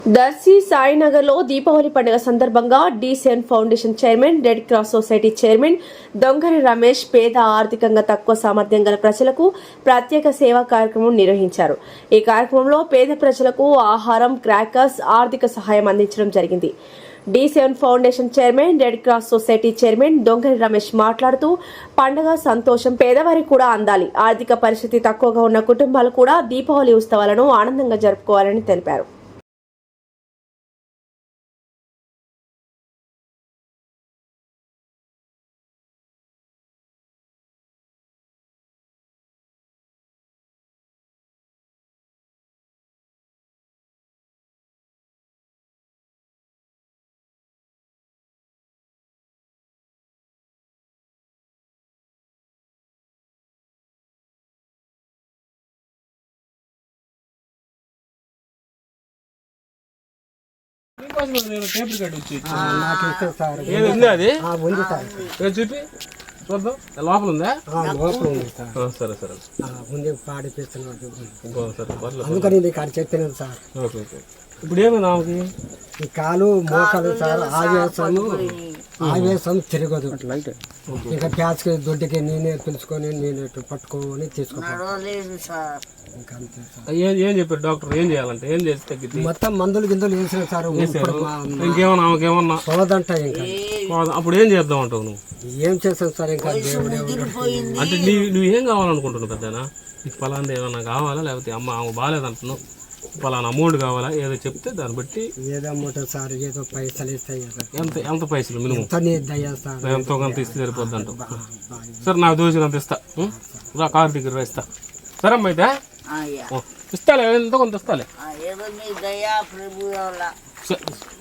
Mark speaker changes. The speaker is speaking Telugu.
Speaker 1: దర్శి సాయినగర్లో దీపావళి పండుగ సందర్భంగా D7 foundation chairman, red cross society chairman Dongari Ramesh పేద ఆర్థికంగా తక్కువ సామర్థ్యం గల ప్రజలకు ప్రత్యేక సేవా కార్యక్రమం నిర్వహించారు. ఈ కార్యక్రమంలో పేద ప్రజలకు ఆహారం, క్రాకర్స్, ఆర్థిక సహాయం అందించడం జరిగింది. D7 foundation chairman, red cross society chairman Dongari Ramesh మాట్లాడుతూ పండుగ సంతోషం పేదవారికి కూడా అందాలి, ఆర్థిక పరిస్థితి తక్కువగా ఉన్న కుటుంబాలు కూడా దీపావళి ఉత్సవాలను ఆనందంగా జరుపుకోవాలని తెలిపారు.
Speaker 2: చూపి చూద్దాం. లోపల ఉందా?
Speaker 3: లోపల ఉంది సార్.
Speaker 2: సరే సరే
Speaker 3: ముందే పాడిపిస్తున్నాడు అందుకని ఇది కాడ చెప్పినాను సార్.
Speaker 2: Okay okay. ఇప్పుడు ఏమి నాకి
Speaker 3: ఈ కాలు మోకాలు సార్ ఆవేశం తిరగదు. ఇంకా ప్యాచ్కి దొడ్డికి నేనే పిలుచుకొని నేనే పట్టుకొని తీసుకుంటాను.
Speaker 2: ఏం చెప్పారు డాక్టర్? ఏం చేయాలంటే ఏం చేసి తగ్గింది?
Speaker 3: మొత్తం మందులు గిందులు వేసిన సార్.
Speaker 2: ఇంకేమన్నా ఆమెకేమన్నా
Speaker 3: సోదంట ఇంకా
Speaker 2: అప్పుడు ఏం చేద్దాం అంటావు నువ్వు?
Speaker 3: ఏం చేస్తాను సార్? ఇంకా దేవుడే
Speaker 2: అంటే నువ్వు ఏం కావాలనుకుంటున్నావు పెద్దనా? నీకు పలానా ఏమన్నా కావాలా, లేకపోతే అమ్మ ఆమె బాగాలేదంటున్నావు, పలానా అమౌంట్ కావాలా, ఏదో చెప్తే దాన్ని బట్టి.
Speaker 3: ఏదో అమౌంట్ సార్, ఏదో పైసలు ఇస్తాయి.
Speaker 2: ఎంత పైసలు మినిమం?
Speaker 3: ఎంతో
Speaker 2: కొంత ఇస్తే సరిపోద్ది అంటావు. సరే నాకు దోషినంత ఇస్తా, రా కారు దగ్గర ఇస్తా. సరే అమ్మ అయితే ఇస్తాలే, ఎంతో కొంత ఇస్తాలే.